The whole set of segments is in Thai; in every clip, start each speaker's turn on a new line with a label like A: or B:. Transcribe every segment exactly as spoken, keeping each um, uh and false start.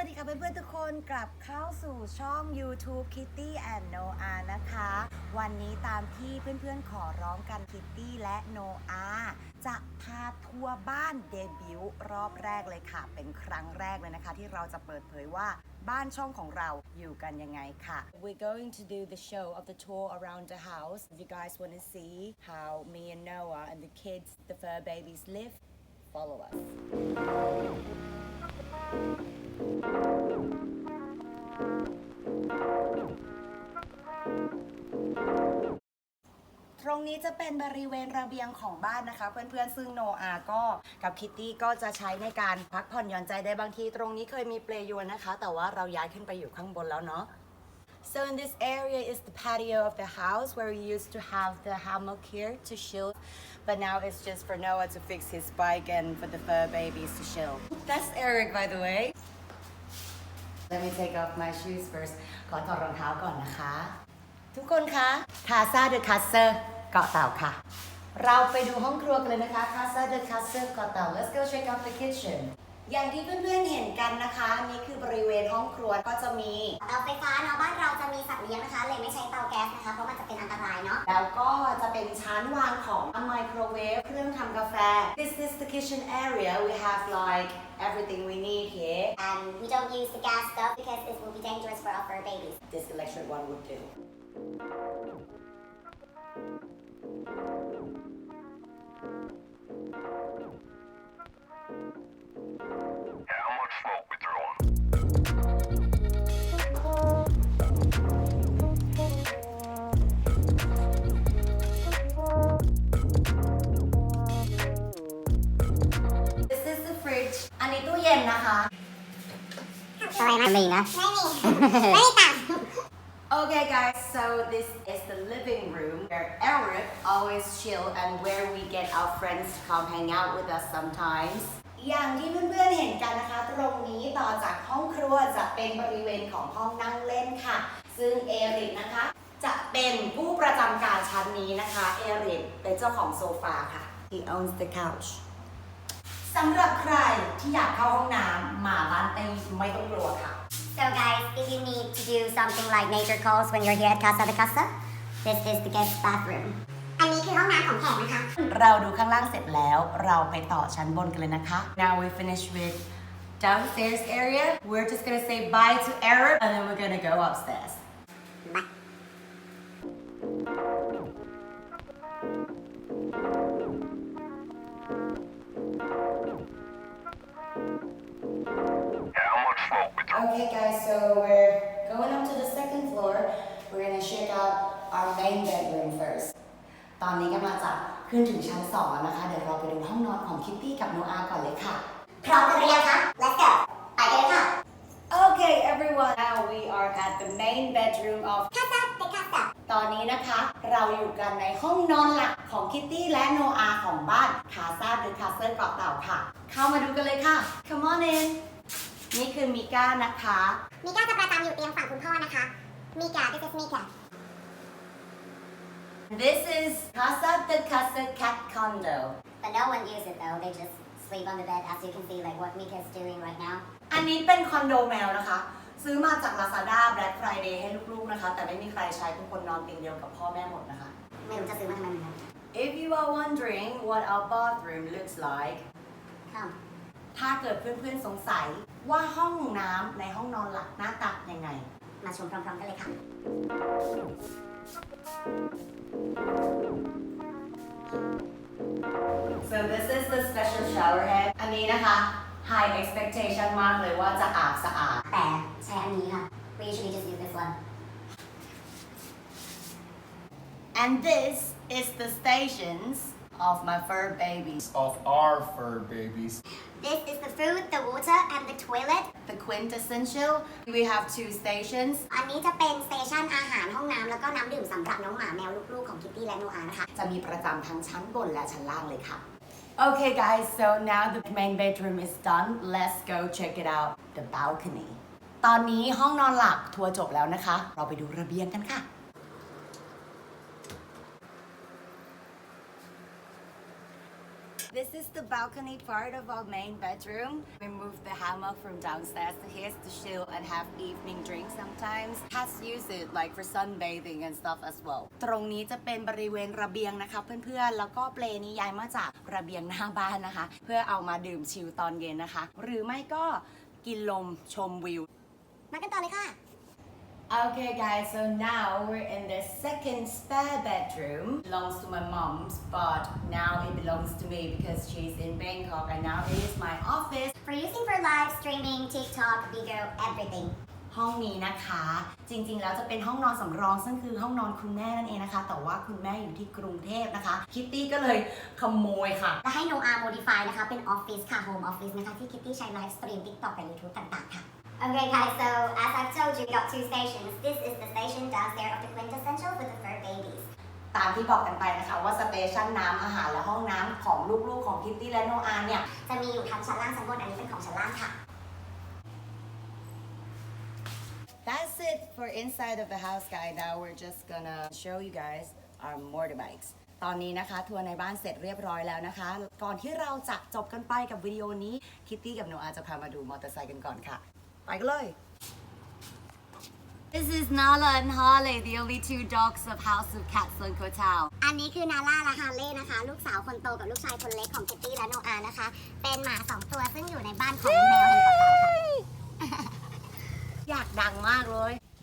A: วัสดีค่ะเพื่อนๆทุกคนกลับเข้าสู่ช่อง YouTube Kitty and Noah นะคะวันนี้ตามที่เพื่อนๆขอร้องกัน Kitty และ Noah จะพาทัวร์บ้านเดบิวต์รอบแรกเลยค่ะเป็นครั้งแรกเลยนะคะที่เราจะเปิดเผยว่าบ้านช่องของเราอยู่กันยังไงค่ะ We're going to do the show of the tour around the house. If you guys want to see how me and Noah and the kids, the fur babies live, follow us.ตรงนี้จะเป็นบริเวณระเบียงของบ้านนะคะเพื่อนๆซึ่งโนอาก็กับคิตตี้ก็จะใช้ในการพักผ่อนหย่อนใจได้บางทีตรงนี้เคยมีเปลยวนนะคะแต่ว่าเราย้ายขึ้นไปอยู่ข้างบนแล้วเนาะ So in this area is the patio of the house where we used to have the hammock here to chill but now it's just for Noah to fix his bike and for the fur babies to chill. That's Eric by the way. Let me take off my shoes first ขอถอดรองเท้าก่อนนะคะทุกคนคะคาซาเดอะคัสเซอร์เกาะเต่าค่ะเราไปดูห้องครัวกันเลยนะคะคาซาเดอะคัสเซอร์เกาะเต่า Let's go check out the kitchen อย่างที่เพื่อนๆเห็นกันนะคะนี่คือบริเวณห้องครัวก็จะมี
B: เตาไฟฟ้าเนาะบ้านเราจะมีสัตว์เลี้ยงนะคะเลยไม่ใช้เตาแก๊สนะคะเพราะมันจะเป็นอันตรายเนาะ
A: แล้วก็จะเป็นชั้นวางของไมโครเวฟเครื่องทำกาแฟ This is the kitchen area we have like everything we need here
B: and we don't use the gas stuff because this will be dangerous for our fur babies
A: This electric one would do
C: How much smoke we throwing?
A: This is the fridge อันนี้ตู้เย็นนะคะ
B: อะไรนะไม่มีนะไม่มีไม่มีตังค์
A: Okay guys, so this is the living room where Eric always chill and where we get our friends to come hang out with us sometimes อย่างที่เพื่อนๆเห็นกันนะคะตรงนี้ต่อจากห้องครัวจะเป็นบริเวณของห้องนั่งเล่นค่ะซึ่งเอริกนะคะจะเป็นผู้ประจำการชั้นนี้นะคะเอริกเป็นเจ้าของโซฟาค่ะ He owns the couch สำหรับใครที่อยากเข้าห้องน้ำมาบ้านเต้ไม่ต้องกลัวค่ะ
B: So guys, if you need to do something like nature calls when you're here at Casa de Casa, this is the guest bathroom. อันนี้คือห้องน้ำของแขกนะคะ
A: เราดูข้างล่างเสร็จแล้วเราไปต่อชั้นบนกันเลยนะคะ Now we finish with downstairs area. We're just gonna say bye to Eric and then we're gonna go upstairs.
B: Bye.
C: How much smoke we throwing?
A: Okay guys, so we're going up to the second floor. We're gonna check out our main bedroom first. ตอนนี้กำลังจะขึ้นถึงชั้นสองแล้วนะคะเดี๋ยวเราไปดูห้องนอนของคิตตี้กับโนอาก่อนเลยค่ะ
B: พร้อมกันหรือยังคะ Let's go ไปกันเลยค่ะ
A: Okay everyone, now we are at the main bedroom of
B: Casa de Casa
A: ตอนนี้นะคะเราอยู่กันในห้องนอนหลักของคิตตี้และโนอาของบ้านคาซาหรือคาเซิลเกาะเต่าค่ะเข้ามาดูกันเลยค่ะ Come on in นี่คือมิก้านะคะ
B: มิก้าจะประจำอยู่เตียงฝั่งคุณพ่อนะคะมิก้า this is มิก้า
A: This is Casa de Casa Cat Condo
B: but no one uses it though they just sleep on the bed as you can see like what Mika is doing right now
A: อันนี้เป็นคอนโดแมวนะคะซื้อมาจาก Lazada Black Friday ให้ลูกๆนะคะแต่ไม่มีใครใช้ทุกคนนอนเตียงเดียวกับพ่อแม่หมดนะคะ
B: ไม่รู้จะซื้อมาทำไมเหมือนกัน
A: If you are wondering what our bathroom looks like
B: Come
A: ถ้าเกิดเพื่อนๆสงสัยว่าห้องน้ำในห้องนอนหลักหน้าตายังไง
B: มาชมพร้อมๆกันเลยค่ะ
A: So this is the special shower head อันนี้นะคะ high expectation มากเลยว่าจะอาบสะอาด
B: แต่ใช้อันนี้ค่ะ we usually just use this one
A: and this is the stations of my fur babies
D: of our fur babies.
B: this is the food the water and the toilet
A: the quintessential we have two stations
B: อันนี้จะเป็นสเตชันอาหารห้องน้ำแล้วก็น้ำดื่มสำหรับน้องหมาแมวลูกๆของคิตตี้และโนอานะคะ
A: จะมีประจำทั้งชั้นบนและชั้นล่างเลยค่ะ Okay guys so now the main bedroom is done let's go check it out the balcony ตอนนี้ห้องนอนหลักทัวร์จบแล้วนะคะเราไปดูระเบียงกันค่ะ This is the balcony part of our main bedroom. We moved the hammock from downstairs to here to chill and have evening drinks sometimes. Cats use it like for sunbathing and stuff as well. ตรงนี้จะเป็นบริเวณระเบียงนะคะเพื่อนๆ แล้วก็เปลนี้ย้ายมาจากระเบียงหน้าบ้านนะคะ เพื่อเอามาดื่มชิลตอนเย็นนะคะ หรือไม่ก็กินลมชมวิว
B: มากันต่อเลยค่ะ
A: Okay guys, so now we're in the second spare bedroom. Belongs to my mom's, but now it belongs to me because she's in Bangkok and now it is my office.
B: For using for live streaming, TikTok, video, everything.
A: ห้องนี้นะคะ จริงๆแล้วจะเป็นห้องนอนสำรองซึ่งคือห้องนอนคุณแม่นั่นเองนะคะ แต่ว่าคุณแม่อยู่ที่กรุงเทพนะคะ คิตตี้ก็เลยขโมยค่ะ
B: และให้ Noah modify นะคะ เป็น office ค่ะ home office นะคะ ที่ Kitty ใช้ live stream TikTok กับ YouTube ต่างๆ ค่ะ Okay guys, so as I've told you, we got two stations. This is the station downstairs of the quintessential for the fur babies.
A: ตามที่บอกกันไปนะคะว่าสเตชันน้ำอาหารและห้องน้ำของลูกๆของคิตตี้และโนอาเนี่ย
B: จะมีอยู่ทั้งชั้นล่างชั้นบน อันนี้เป็นของชั้นล่างค่ะ
A: That's it for inside of the house, guys. Now we're just gonna show you guys our motorbikes. ตอนนี้นะคะทัวร์ในบ้านเสร็จเรียบร้อยแล้วนะคะ ก่อนที่เราจะจบกันไปกับวิดีโอนี้ คิตตี้กับโนอาจะพามาดูมอเตอร์ไซค์กันก่อนค่ะ ไปกันเลย This is Nala and Harley, the only two dogs of House of Cats and Kotal.
B: อันนี้คือนาร่าและฮาร์เลย์นะคะ ลูกสาวคนโตกับลูกชายคนเล็กของ Kitty และ Noah นะคะ เป็นหมาสองตัวซึ่งอยู่ในบ้านของแมวแห่งเกาะเต่าค่ะ
A: อยากดังมากเลย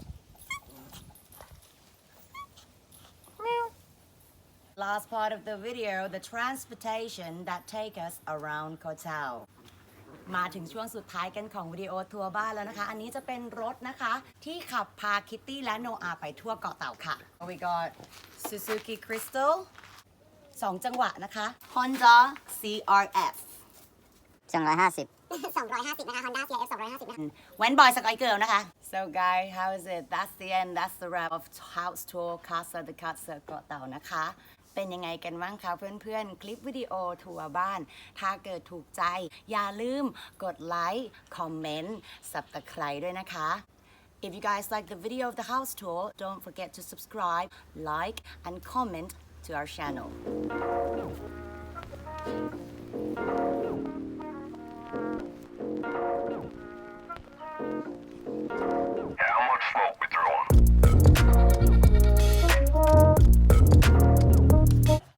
A: Last part of the video, the transportation that take us around Koh Tao. มาถึงช่วงสุดท้ายกันของวิดีโอทัวร์บ้านแล้วนะคะ อันนี้จะเป็นรถนะคะ ที่ขับพาคิตตี้และโนอาไปทั่วเกาะเต่าค่ะ We got Suzuki Crystal สองจังหวะนะคะ Honda ซี อาร์ เอฟ
B: สองร้อยห้าสิบ สองร้อยห้าสิบนะคะ Honda ซี อาร์ เอฟ สองร้อยห้าสิบนะคะ
A: When boy Sky Girl นะคะ So guys how is it That's the end That's the wrap of House Tour Casa de Casa เกาะเต่านะคะ เป็นยังไงกันบ้างคะเพื่อนๆ คลิปวิดีโอทัวร์บ้าน ถ้าเกิดถูกใจ อย่าลืมกดไลค์ คอมเมนต์ Subscribe ด้วยนะคะ If you guys like the video of the house tour don't forget to subscribe like and comment to our channel